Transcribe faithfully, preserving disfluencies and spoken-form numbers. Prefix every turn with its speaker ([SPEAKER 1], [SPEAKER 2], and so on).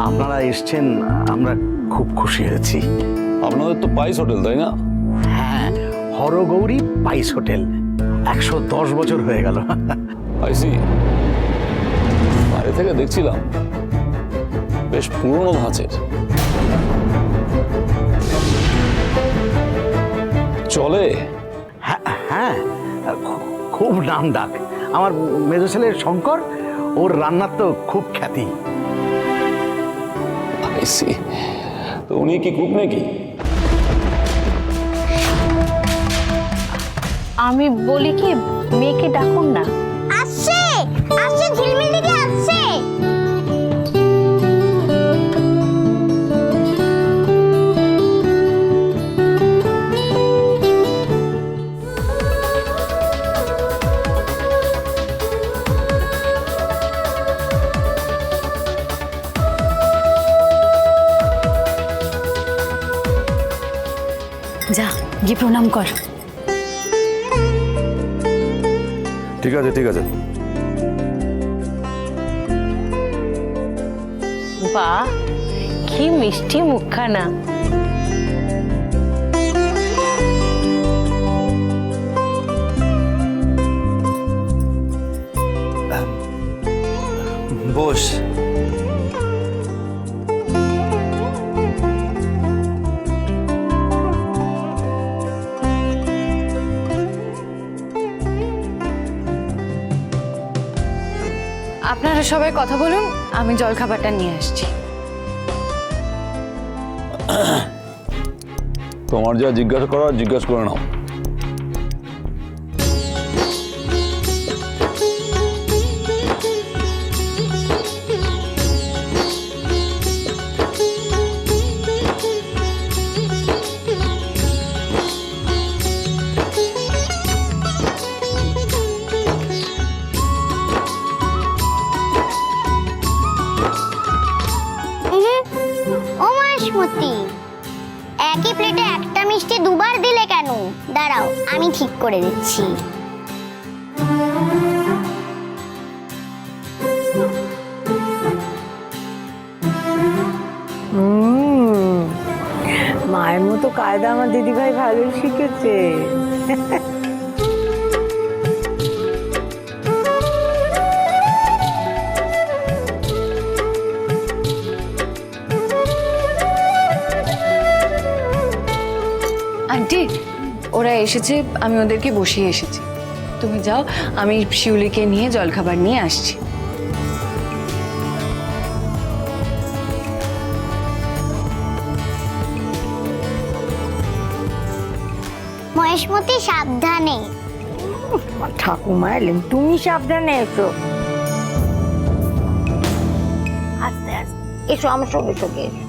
[SPEAKER 1] আপনারা এসছেন, আমরা খুব খুশি হয়েছি।
[SPEAKER 2] আপনাদের তো পাইস হোটেল, তাই না?
[SPEAKER 1] হ্যাঁ, হরগৌরী পাইস হোটেল একশো দশ বছর হয়ে গেল।
[SPEAKER 2] আইসি, বাইরে থেকে দেখছিলাম বেশ পুরনো ধাঁচের। চলে?
[SPEAKER 1] হ্যাঁ হ্যাঁ, খু- খুব নাম ডাক। আমার মেজো ছেলের শঙ্কর, ওর রান্নার তো খুব খ্যাতি।
[SPEAKER 2] আইসি, তো উনি কি কুক নাকি?
[SPEAKER 3] আমি বলি কি, মেয়েকে ডাকুন না।
[SPEAKER 4] আসছে আসছে, ঝিলমিল দিদি আসছে।
[SPEAKER 3] যা গিয়ে প্রণাম কর।
[SPEAKER 5] ঠিক আছে ঠিক আছে।
[SPEAKER 3] বাহ, কি মিষ্টি মুখখানা।
[SPEAKER 5] বস।
[SPEAKER 6] আপনারা সবাই কথা বলুন, আমি জলখাবারটা নিয়ে আসছি।
[SPEAKER 2] তোমার যা জিজ্ঞাসা করার জিজ্ঞাসা করে নাও।
[SPEAKER 4] ও মাসমতি, একই প্লেটে একটা মিষ্টি দুবার দিলে কেন? দাঁড়াও, আমি ঠিক করে দিচ্ছি।
[SPEAKER 7] মায়ের মতো কায়দা আমার দিদিভাই ভালোই শিখেছে।
[SPEAKER 6] আন্টি, ওরা এসেছে, আমি ওদেরকে বসিয়ে এসেছি। তুমি যাও, আমি শিউলিকে নিয়ে জলখাবার নিয়ে আসছি।
[SPEAKER 4] মহেশমতি, সাবধানে।
[SPEAKER 7] ঠাকুমা এলেন, তুমি সাবধানে এসো। আস্তে আস্তে এসো, আমার সঙ্গে সঙ্গে এসো।